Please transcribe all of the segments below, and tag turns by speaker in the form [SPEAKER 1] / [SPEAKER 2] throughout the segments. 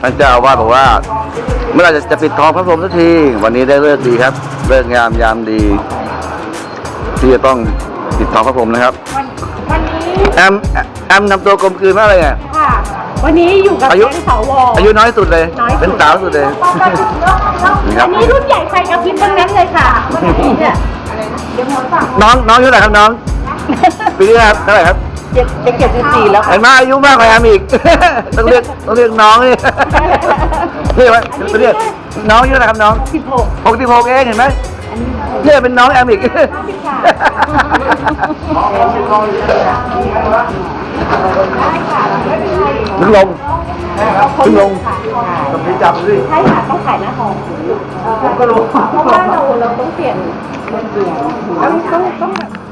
[SPEAKER 1] ท่านเจ้าอาวาสบอกว่าเมื่อไหร่จะปิดทองพระพรหมสักทีวันนี้ได้เลิกดีครับเลิกงามยามดีที่จะต้องปิดทองพระพรหมนะครับ
[SPEAKER 2] วันนี้
[SPEAKER 1] แอมนำตัวกลมกลืนมากเลยอ่ะ
[SPEAKER 2] ค่ะวันนี้อยู่กับแก๊งสว
[SPEAKER 1] อายุน้อยสุดเลยเป็นสาวสุดเลย
[SPEAKER 2] อันนี้รุ่นใหญ่ไฟกระพริบทั้งนั้นเลยค่ะเนี่ย
[SPEAKER 1] น้องอายุเท่าไหร่ครับน้องปีนี้ครับเท่าไหร่ครับ
[SPEAKER 2] จะ74แล้ว
[SPEAKER 1] เห็นไหมอายุมากกว่าแอมอีกต้องเรียกน้องนี่นี่ไหมเรียกน้องอายุเท่าไหร่ครับน้อง66เองเห็นไหมเนี่ยเป็นน้องแอมอีกถึงลงต้องไปจับสิ
[SPEAKER 2] ใช่ค่ะต้องขายหน้าทองผมก็รู้เพราะว่าเราต้องเปลี่ยนต้อง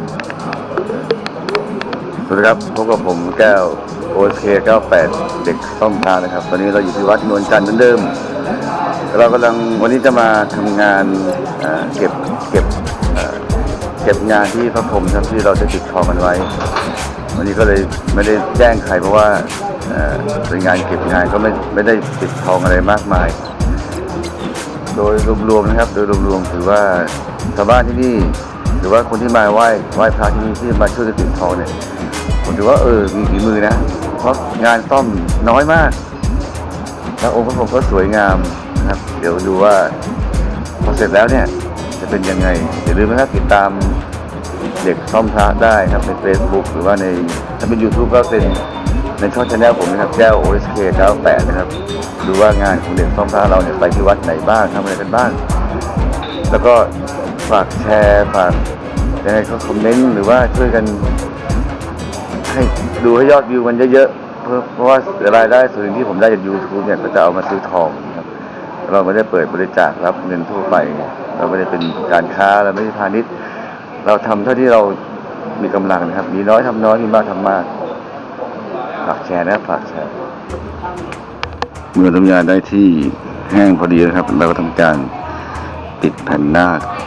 [SPEAKER 1] สวัสดีครับพบกับผมแก้ว OSK 98 เด็กซ่อมพานะครับตอนนี้เราอยู่ที่วัดนวลจันทร์เหมือนเดิมเรากำลังวันนี้จะมาทำงานเก็บงานที่พระพรหมที่เราจะติดทองกันไว้วันนี้ก็เลยไม่ได้แจ้งใครเพราะว่าเป็นงานเก็บงานก็ไม่ได้ติดทองอะไรมากมายโดยรวมๆนะครับโดยรวมๆถือว่าชาวบ้านที่นี่หรือว่าคนที่มาไหว้พระที่นี่ที่มาช่วยกันติดทองเนี่ยผมถือว่ามีฝีมือนะเพราะงานซ่อมน้อยมากแล้วองค์พระพรหมก็สวยงามนะครับเดี๋ยวดูว่าพอเสร็จแล้วเนี่ยจะเป็นยังไงอย่าลืมนะครับติดตามเด็กซ่อมพระได้ครับใน Facebook หรือว่าในถ้าเป็น YouTube ก็เป็นในช่องชาแนลผมนะครับแก้ว OSK 98นะครับดูว่างานของเด็กซ่อมพระเราเนี่ยไปที่วัดไหนบ้างทำอะไรกันบ้างแล้วก็ฝากแชร์ฝากยังไงเขาคอมเมนต์หรือว่าช่วยกันให้ดูให้ยอดวิวมันเยอะๆเพราะว่ารายได้ส่วนที่ผมได้จาก YouTube เนี่ยก็จะเอามาซื้อทองครับเราไม่ได้เปิดบริจาครับเงินทั่วไปเราไม่ได้เป็นการค้าเราไม่ได้พาณิชย์เราทำเท่าที่เรามีกำลังนะครับมีน้อยทำน้อยมีมากทำมากฝากแชร์นะฝากแชร์เมื่อทำงานได้ที่แห้งพอดีนะครับเราก็ทำการติดแผ่นหน้า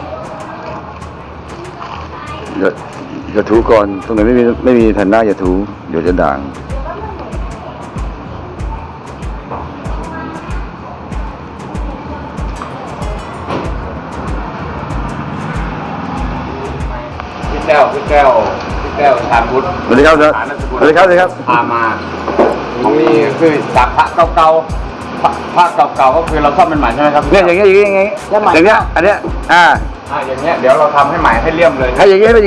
[SPEAKER 1] อย่าถูก่อนตรงไหนไม่มีแผ่นหน้าอย่าถูเดี๋ยวจะด่าง
[SPEAKER 3] พี่แก้วทานบุตร
[SPEAKER 1] สวัสดีครับสวัสดีครับ
[SPEAKER 3] พามาตรงนี้คือจากพระเก่าๆพระเก่าๆก็คือเราซ่อมเป็นใหม่ใช่ไหมครับ
[SPEAKER 1] เนี่ยอย่างเงี้ยอย่างเงี้ยอันเนี้ย
[SPEAKER 3] อย่างเงี้ยเดี๋ยวเราทำให้ใหม่ให้เลี่ยมเลย
[SPEAKER 1] ให้อย่างเงี้ย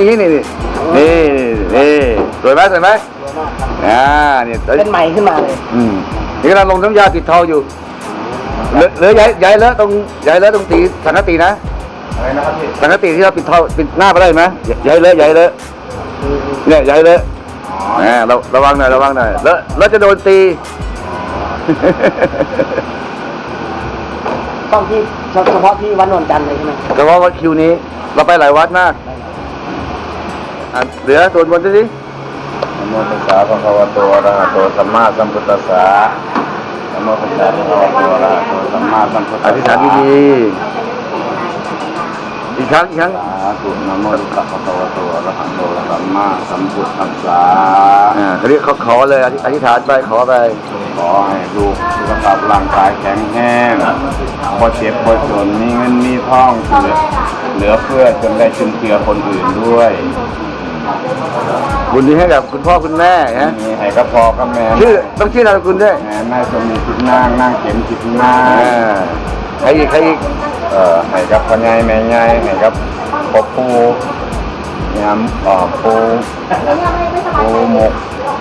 [SPEAKER 1] นี่สวยไหมเนี่ย
[SPEAKER 2] เป็นใหม่ขึ้นมาเลย
[SPEAKER 1] นี่กำลังลงน้ำยาติดทองอยู่เหลือย้ายเลอะตรงตีสังกะตีนะ
[SPEAKER 3] อะไรนะครับพี่
[SPEAKER 1] สังกะตีที่เราปิดทองปิดหน้าไปได้ไหมย้ายเลอะเนี่ยย้ายเลอะเราระวังหน่อยแล้วจะโดนตี
[SPEAKER 2] ต้องที่เฉพาะที่วัดนวลจันทร์เลยใช่ไหม
[SPEAKER 1] เฉพาะวัดคิวนี้เราไปหลายวัดมากเหลือส่วนบนสิ
[SPEAKER 3] นะโมตัสสะภะคะวะโตอะระหะโตสัมมาสัมพุทธัสสะนะโมตัสสะภะคะวะโตอะระหะโตสัมมาสัมพุทธัสสะ
[SPEAKER 1] อธิษฐานดีๆอีกครั้ง
[SPEAKER 3] สาธุนะโมตัสสะภะคะวะโตอะระหะโตสัมมาสัมพุทธัสสะ
[SPEAKER 1] เขาเรียกขอเลยอธิษฐานไปขอไป
[SPEAKER 3] ขอให้ลูกสุขภาพร่างกายแข็งแรงพอเจ็บพอจนมีเงินมีทองเหลือเพื่อจนได้จุนเจือคนอื่นด้วย
[SPEAKER 1] บุญนี้ให้กับคุณพ่อคุณแม่นะ
[SPEAKER 3] ให้กับพ่อกับแม่
[SPEAKER 1] ต้องชื่อนามสกุลด้วย
[SPEAKER 3] แม่สมมีจิตนางเข็มจิตนาง
[SPEAKER 1] ใครอีก
[SPEAKER 3] ให้กับพ่อใหญ่แม่ใหญ่ให้กับพ่อปู่ยำปู่หมก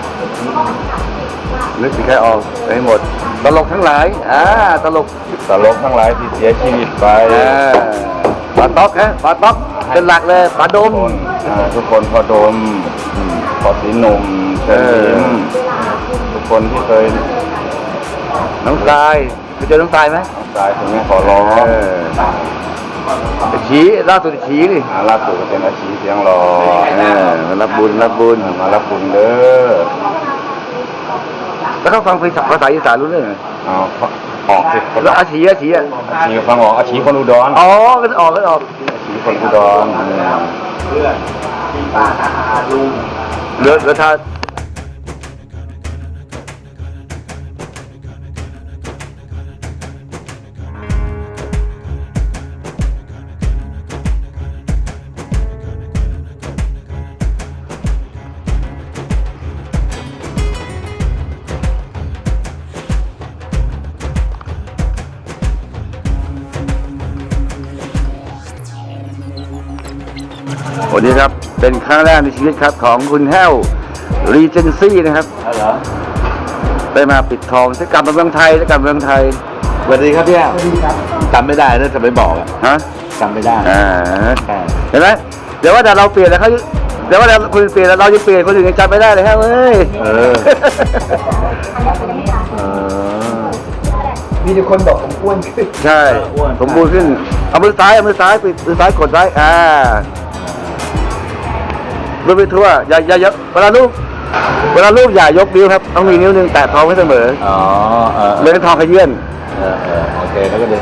[SPEAKER 1] นึกถึงใครออกไปหมดตลกทั้งหลายตลก
[SPEAKER 3] ทั้งหลายที่เสียชีวิตไป
[SPEAKER 1] ปาต๊อกเป็นหลักเลยปาดม
[SPEAKER 3] ทุกคนพอดมพอสีหนุ่มเชิญทุกคนที่เคย
[SPEAKER 1] น้องทรายเคยเจอน้องทรายไหม
[SPEAKER 3] น้องทรายผมขอร้อง
[SPEAKER 1] ชี้ล่าสุดชี้ดิ
[SPEAKER 3] ล่าสุดก็เป็นอาชีเสียงรอ
[SPEAKER 1] มารับบุญ
[SPEAKER 3] มารับบุญเด้อ
[SPEAKER 1] แล้วเขาฟังภาษาอีสานรู้เรื่อง
[SPEAKER 3] ออกสิ
[SPEAKER 1] แล้วอาชี
[SPEAKER 3] ฟังออกอาชีคนอุดร
[SPEAKER 1] ก็ออกอา
[SPEAKER 3] ชีคนอุดร
[SPEAKER 1] เหลือท่าวันนี้ครับเป็นครั้งแรกในชีวิตครับของคุณแห้วรีเจนซี่นะครับ
[SPEAKER 3] เหรอ
[SPEAKER 1] ได้มาปิดทองจะกลับมาเมืองไทยจะกลับเมืองไทย
[SPEAKER 3] สวัสดีครับพี่สวัสดีครับจำไม่ได้นะจะไม่บอกอะ
[SPEAKER 1] ฮะ
[SPEAKER 3] จำไม่ได้ ใช่
[SPEAKER 1] เห็นไหมเดี๋ยวว่าแต่เราเปลี่ยนแล้วเขาเดี๋ยวว่าแต่คุณเปลี่ยนแล้วเราจะเปลี่ยนคนอื่นยังจำไม่ได้เลยฮะเว้ย
[SPEAKER 3] เออ
[SPEAKER 4] มีแต่คนบอกผมอ้วนขึ้น
[SPEAKER 1] ใช่สมบูรณ์ขึ้นเอามือซ้ายปิดมือซ้ายกดไว้รูปไปทั่วอย่าเวลารูปอย่ายกนิ้วครับต้องมีนิ้วหนึงแตะท้องไว้เสมอ
[SPEAKER 3] อ๋อ
[SPEAKER 1] เลยให้ท้องขยื่น
[SPEAKER 3] โอเคแล้วก็เดิน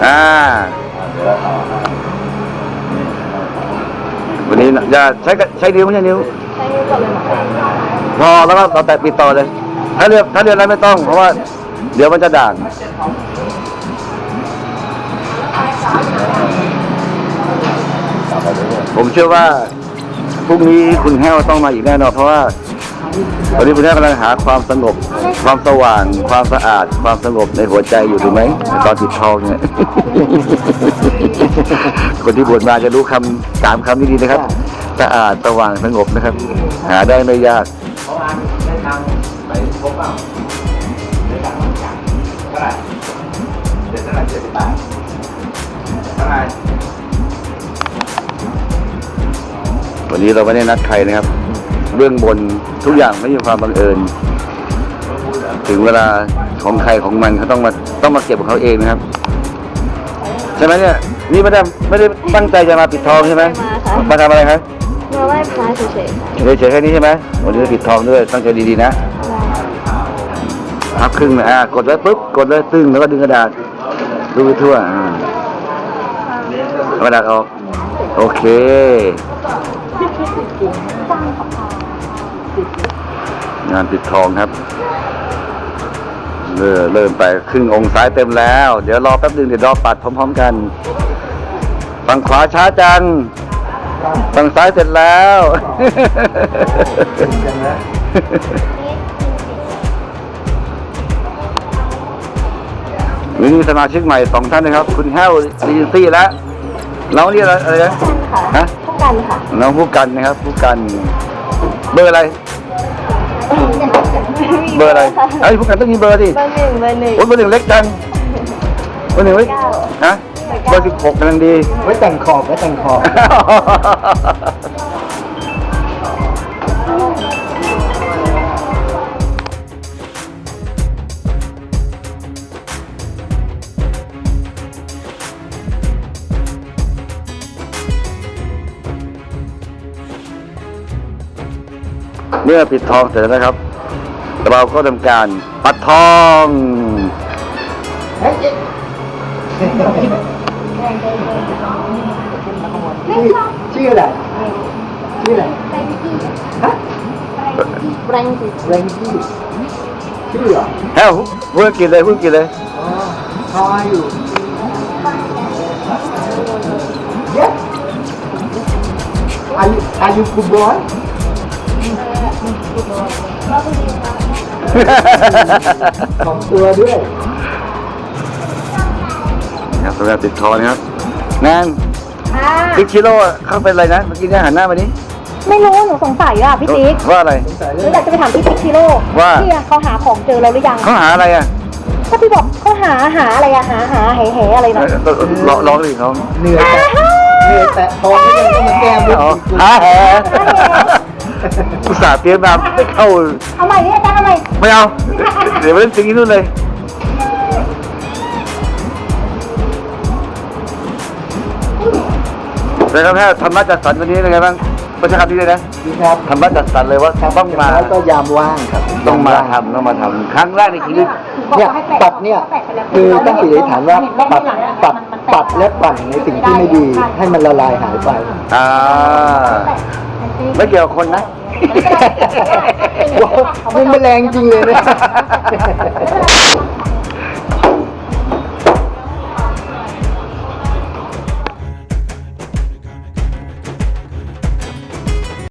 [SPEAKER 1] วันนี้อย่าใช้นิ้วไม่ใช่นิ้ว
[SPEAKER 2] ใช้กับเลยหรอ
[SPEAKER 1] พอแล้วก็เราแตะปิดต่อเลย ถ้าเรียนอะไรไม่ต้องเพราะว่าเดี๋ยวมันจะด่างผมเชื่อว่าพรุ่งนี้คุณแห้วต้องมาอีกแน่นอนเพราะว่าตอนนี้คุณแห้วกำลังหาความสงบความสว่างความสะอาดความสงบในหัวใจอยู่ถูกไหมตอนติดทองเนี่ย คนที่บวชมาจะรู้3 คำนี้ดีนะครับสะอาดสว่างสงบนะครับ หาได้ไม่ยากวันนี้เราไม่ได้นัดใครนะครับเบื้องบนทุกอย่างไม่มีความบังเอิญถึงเวลาของใครของมันเขาต้องมาเก็บของเขาเองนะครับใช่ไหมเนี่ยนี่ไม่ได้ตั้งใจจะมาปิดทองใช่ไหมมาทำอะไรครับ
[SPEAKER 2] มาไหว้พระเฉย
[SPEAKER 1] เฉยๆแค่นี้ใช่ไหมวันนี้ปิดทองด้วยตั้งใจดีๆนะพับครึ่งนะกดไว้ปุ๊บกดเลยตึ้งแล้วก็ดึงกระดาษดูไปทั่วเอากระดาษออกโอเคงานปิดทองครับเริ่มไปครึ่งองค์ซ้ายเต็มแล้วเดี๋ยวรอแป๊บนึงเดี๋ยวรอปัดพร้อมๆกันฝั่งขวาช้าจังฝั่งซ้ายเสร็จแล้วนี่สมาชิกใหม่2 ท่านนะครับคุณแห้วรีนซี่และเราเรียกอะไรนะ
[SPEAKER 2] ๆค่ะ
[SPEAKER 1] ฮะ
[SPEAKER 2] ผู้กันค่ะ
[SPEAKER 1] น้องผู้กันนะครับผู้กันเบอร์อะไรเบอร์อะไรไอ้ผู้กันต้องมีเบอร์ดิ
[SPEAKER 2] เบอร์หนึ่ง
[SPEAKER 1] โอ้ยเบอร์ 1เล็กจังเบอร์ 1ไว้ฮะเบอร์ 16กำลังดี
[SPEAKER 4] ไว้แต่งขอบไว้แต่งขอบ
[SPEAKER 1] เมื่อปิดทองเสร็จแล้วนะครับ เราก็ทำการปัดทอง
[SPEAKER 4] ชื่ออะไรชื่ออะไรฮะ
[SPEAKER 2] แรงจิต
[SPEAKER 4] แรงกี้ชื่อเหรอ
[SPEAKER 1] แห้วพูดกินเลย
[SPEAKER 4] อ๋อ How are you Yes Are you good boy ของตัวด้วย
[SPEAKER 1] นะครับสำหรับปิดทองนะครับแนน
[SPEAKER 2] ค่ะ
[SPEAKER 1] ติ๊กชิโร่เข้าเป็นอะไรนะเมื่อกี้เนี่ยหันหน้ามานี้
[SPEAKER 2] ไม่รู้หนูสงสัยอ่ะพี่ติ๊ก
[SPEAKER 1] ว่าอะไร
[SPEAKER 2] หนูอยากจะไปถามพี่ติ๊กชิโร่
[SPEAKER 1] ว่า
[SPEAKER 2] พี่อะเขาหาของเจอแล้วหรือยัง
[SPEAKER 1] เขาหาอะไรอ่ะ
[SPEAKER 2] ก็พี่บอกเขาหาอะไรอะหาแห่อะไรนะ
[SPEAKER 1] ร้องดิเขา
[SPEAKER 4] เหนื่อยแต่ทองไม่ได้ต้องมาแก้มุก
[SPEAKER 1] อ๋อหาแหอุตส่าห์เตรียมมาไม่เข้า
[SPEAKER 2] เอาใหม่ดิอาจารย์เอาใหม่
[SPEAKER 1] ไม่เอาเดี๋ยวไปเล่นจริงที่นู่นเลยเลยครับแค่ธรรมะจัดสรรวันนี้เป็นไงบ้างประชาคำนี้เลยนะ
[SPEAKER 4] ดีครับ
[SPEAKER 1] ธรรมะจัดสรรเลยว่าต้องมา
[SPEAKER 4] แล้วก็ยามว่างครับ
[SPEAKER 1] ต้องมาทำครั้งแรกในชีวิต
[SPEAKER 4] เนี่ยปัดเนี่ยคือตั้งจิตอธิษฐานว่าปัดและปั่นในสิ่งที่ไม่ดีให้มันละลายหายไป
[SPEAKER 1] ไม่เกี่ยวกับคนนะ
[SPEAKER 4] มันแรงจริงเลยนะ